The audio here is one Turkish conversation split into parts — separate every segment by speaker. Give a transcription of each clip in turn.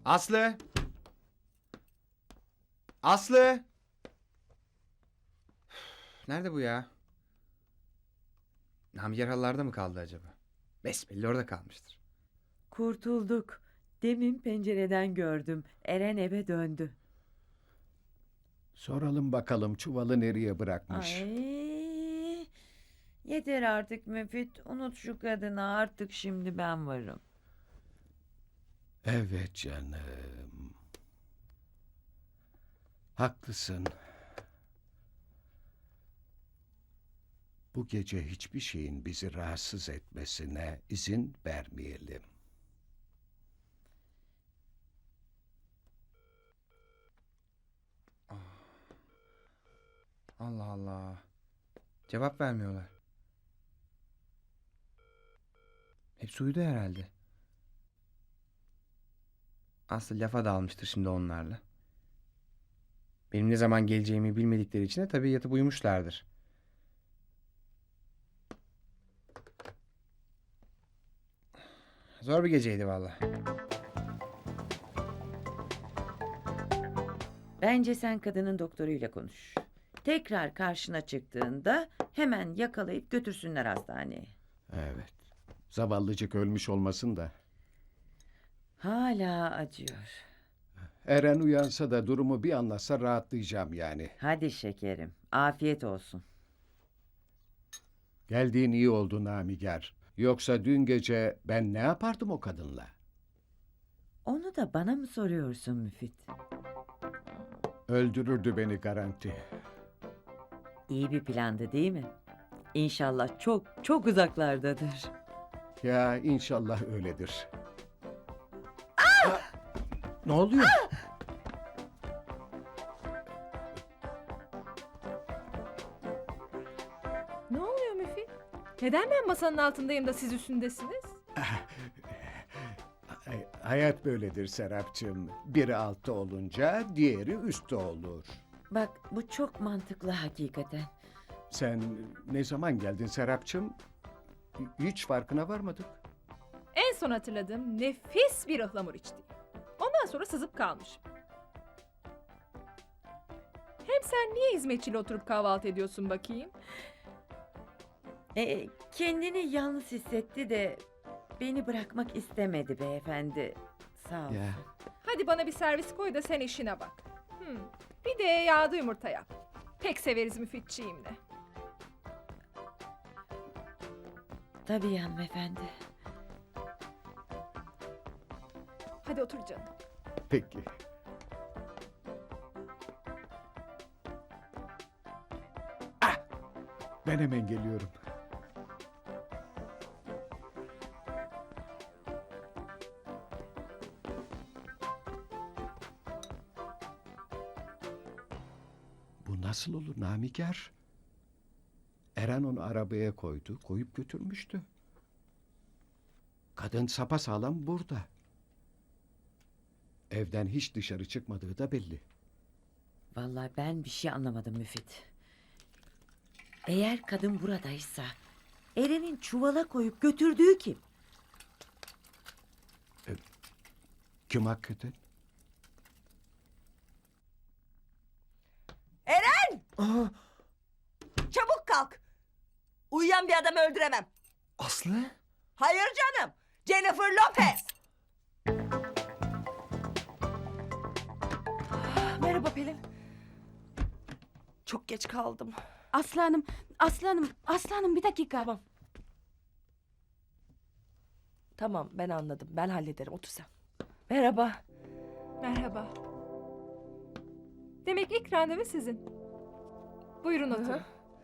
Speaker 1: Aslı! Aslı! Nerede bu ya? Namiger halılarda mı kaldı acaba? Besbelli orada kalmıştır.
Speaker 2: Kurtulduk. Demin pencereden gördüm. Eren eve döndü.
Speaker 3: Soralım bakalım çuvalı nereye bırakmış.
Speaker 2: Ay, yeter artık Müfit. Unut şu kadını artık şimdi ben varım.
Speaker 3: Evet canım. Haklısın. Bu gece hiçbir şeyin bizi rahatsız etmesine izin vermeyelim.
Speaker 1: Allah Allah. Cevap vermiyorlar. Hepsi uyudu herhalde. Aslı lafa dalmıştır şimdi onlarla. Benim ne zaman geleceğimi bilmedikleri için de tabii yatıp uyumuşlardır. Zor bir geceydi vallahi.
Speaker 2: Bence sen kadının doktoruyla konuş. Tekrar karşına çıktığında hemen yakalayıp götürsünler hastaneye.
Speaker 3: Evet. Zavallıcık ölmüş olmasın da.
Speaker 2: Hala acıyor.
Speaker 3: Eren uyansa da durumu bir anlatsa rahatlayacağım yani.
Speaker 2: Hadi şekerim, afiyet olsun.
Speaker 3: Geldiğin iyi oldu Namiger. Yoksa dün gece ben ne yapardım o kadınla?
Speaker 2: Onu da bana mı soruyorsun Müfit?
Speaker 3: Öldürürdü beni garanti.
Speaker 2: İyi bir plandı değil mi? İnşallah çok çok uzaklardadır.
Speaker 3: Ya inşallah öyledir. Ha, ne oluyor?
Speaker 4: Ne oluyor Müfit? Neden ben masanın altındayım da siz üstündesiniz?
Speaker 3: Hayat böyledir Serapcığım. Biri altta olunca diğeri üstte olur.
Speaker 2: Bak bu çok mantıklı hakikaten.
Speaker 3: Sen ne zaman geldin Serapcığım? Hiç farkına varmadık.
Speaker 4: En son hatırladığım nefis bir ıhlamur içti. Ondan sonra sızıp kalmışım. Hem sen niye hizmetçiyle oturup kahvaltı ediyorsun bakayım?
Speaker 2: Kendini yalnız hissetti de beni bırakmak istemedi beyefendi. Sağ ol.
Speaker 3: Ya
Speaker 4: Hadi bana bir servis koy da sen işine bak. Bir de yağda yumurta yap. Pek severiz Müfitçiğimle.
Speaker 2: Tabii hanımefendi.
Speaker 4: Hadi otur canım.
Speaker 3: peki. Ben hemen geliyorum. Bu nasıl olur Namiger? Eren onu arabaya koydu, koyup götürmüştü. Kadın sapasağlam burada. Evden hiç dışarı çıkmadığı da belli.
Speaker 2: Vallahi ben bir şey anlamadım Müfit. Eğer kadın buradaysa Eren'in çuvala koyup götürdüğü kim?
Speaker 3: Kim hakikaten?
Speaker 5: Çabuk kalk. Uyuyan bir adamı öldüremem.
Speaker 1: Aslı?
Speaker 5: Hayır canım. Jennifer Lopez. Merhaba Pelin. Çok geç kaldım.
Speaker 6: Aslanım bir dakika.
Speaker 5: Tamam ben anladım. Ben hallederim. Otur sen. Merhaba.
Speaker 4: Merhaba. Demek ilk randevu sizin. Buyurun oturun.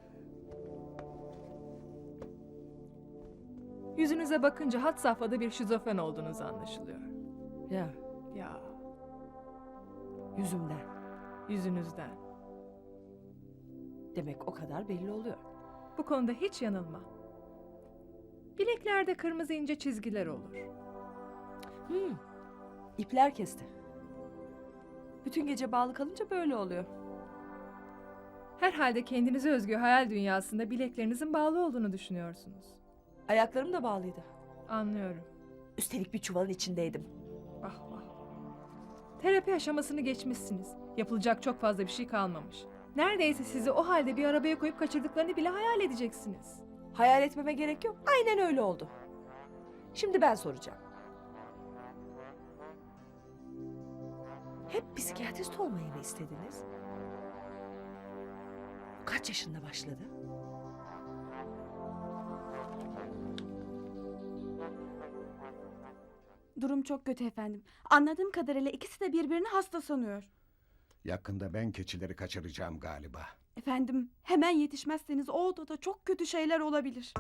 Speaker 4: Yüzünüze bakınca had safhada bir şizofren olduğunuz anlaşılıyor.
Speaker 5: Ya
Speaker 4: Ya,
Speaker 5: yüzümden.
Speaker 4: yüzünüzden.
Speaker 5: Demek o kadar belli oluyor.
Speaker 4: Bu konuda hiç yanılma. Bileklerde kırmızı ince çizgiler olur.
Speaker 5: İpler kesti. Bütün gece bağlı kalınca böyle oluyor.
Speaker 4: Herhalde kendinize özgü hayal dünyasında bileklerinizin bağlı olduğunu düşünüyorsunuz.
Speaker 5: Ayaklarım da bağlıydı.
Speaker 4: Anlıyorum.
Speaker 5: Üstelik bir çuvalın içindeydim.
Speaker 4: Ah ah. Terapi aşamasını geçmişsiniz. Yapılacak çok fazla bir şey kalmamış. Neredeyse sizi o halde bir arabaya koyup kaçırdıklarını bile hayal edeceksiniz.
Speaker 5: Hayal etmeme gerek yok. Aynen öyle oldu. Şimdi ben soracağım. Hep psikiyatrist olmayı mı istediniz? Kaç yaşında başladı?
Speaker 6: Durum çok kötü efendim. Anladığım kadarıyla ikisi de birbirini hasta sanıyor.
Speaker 3: Yakında ben keçileri kaçıracağım galiba.
Speaker 6: Efendim, hemen yetişmezseniz o odada çok kötü şeyler olabilir.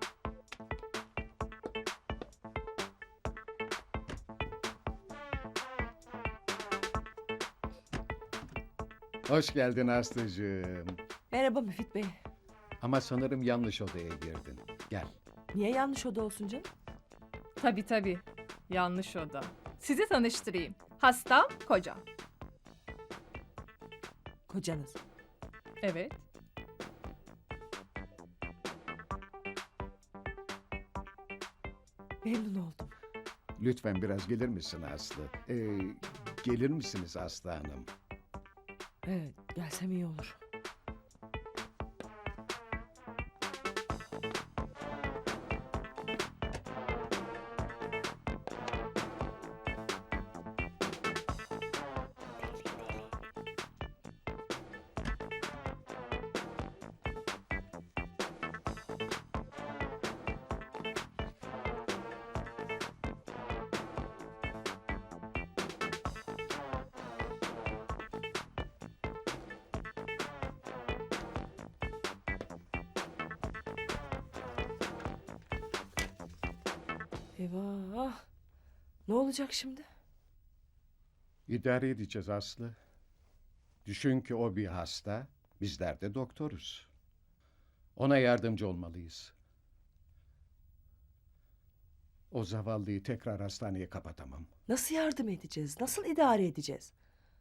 Speaker 3: Hoş geldin Aslı'cığım.
Speaker 5: Merhaba Müfit Bey.
Speaker 3: Ama sanırım yanlış odaya girdin. Gel.
Speaker 5: Niye yanlış oda olsun canım?
Speaker 4: Tabii. Yanlış oda. Sizi tanıştırayım. Hastam, kocam.
Speaker 5: Kocanız.
Speaker 4: Evet.
Speaker 5: Memnun oldum.
Speaker 3: Lütfen biraz gelir misin Aslı? Gelir misiniz Aslı Hanım?
Speaker 5: Evet, gelsem iyi olur. Eyvah. Ne olacak şimdi?
Speaker 3: İdare edeceğiz Aslı. Düşün ki o bir hasta, bizler de doktoruz. Ona yardımcı olmalıyız. O zavallıyı tekrar hastaneye kapatamam.
Speaker 5: Nasıl yardım edeceğiz? Nasıl idare edeceğiz?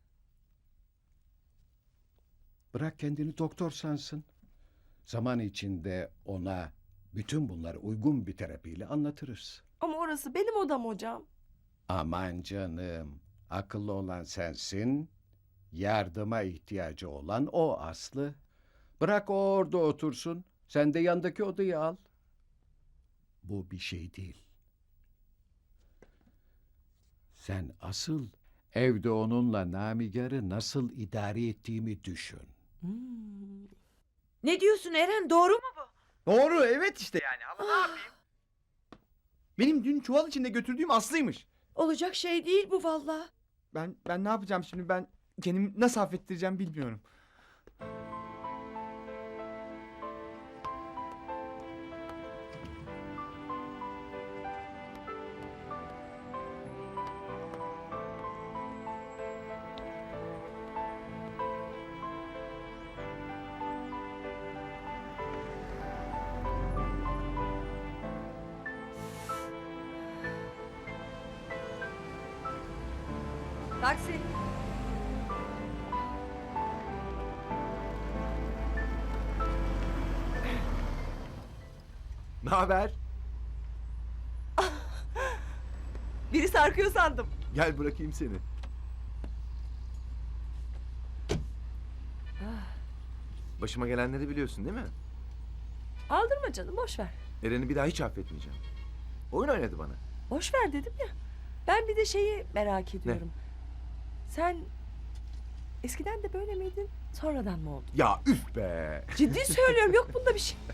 Speaker 3: Bırak kendini doktor sansın. Zaman içinde ona bütün bunları uygun bir terapiyle anlatırız.
Speaker 5: Ama orası benim odam hocam.
Speaker 3: Aman canım, akıllı olan sensin, yardıma ihtiyacı olan o Aslı. Bırak o orada otursun, sen de yandaki odayı al. Bu bir şey değil. Sen asıl evde onunla Namigar'ı nasıl idare ettiğimi düşün.
Speaker 5: Hmm.
Speaker 2: Ne diyorsun Eren, doğru mu bu?
Speaker 1: Doğru, evet işte yani. Ama ne yapayım? Benim dün çuval içinde götürdüğüm Aslı'ymış.
Speaker 2: Olacak şey değil bu vallahi.
Speaker 1: Ben ne yapacağım şimdi? Ben kendimi nasıl affettireceğim bilmiyorum.
Speaker 5: Taksi.
Speaker 1: Ne haber?
Speaker 5: Biri sarkıyor sandım.
Speaker 1: Gel bırakayım seni.
Speaker 7: Başıma gelenleri biliyorsun değil mi?
Speaker 5: Aldırma canım, boş ver.
Speaker 7: Eren'i bir daha hiç affetmeyeceğim. Oyun oynadı bana.
Speaker 5: Boş ver dedim ya. Ben bir de şeyi merak ediyorum. Sen eskiden de böyle miydin? Sonradan mı oldun?
Speaker 7: Ya üf be!
Speaker 5: Ciddi söylüyorum, yok bunda bir şey.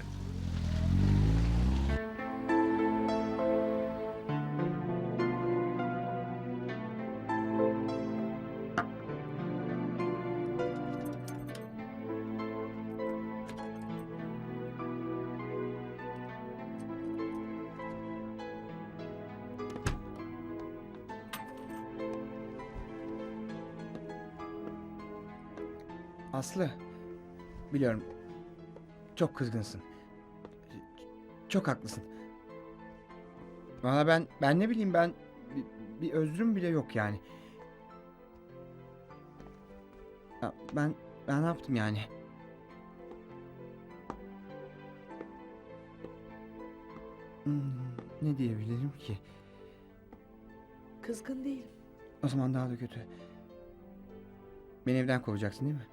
Speaker 1: Aslı, biliyorum. Çok kızgınsın. Çok haklısın. Valla ben ne bileyim bir özrüm bile yok yani. Ya ben ne yaptım yani? Hmm, ne diyebilirim ki?
Speaker 5: Kızgın değilim.
Speaker 1: O zaman daha da kötü. Beni evden kovacaksın değil mi?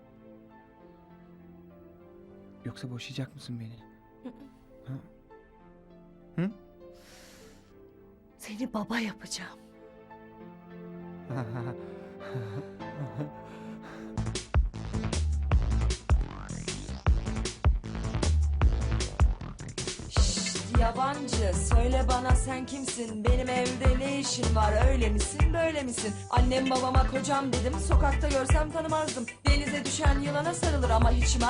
Speaker 1: Yoksa boşayacak mısın beni? Ha? Hı?
Speaker 5: Seni baba yapacağım.
Speaker 8: Yabancı söyle bana sen kimsin? Benim evde ne işin var? Öyle misin böyle misin? Annem babama kocam dedim. Sokakta görsem tanımazdım. Denize düşen yılana sarılır ama hiç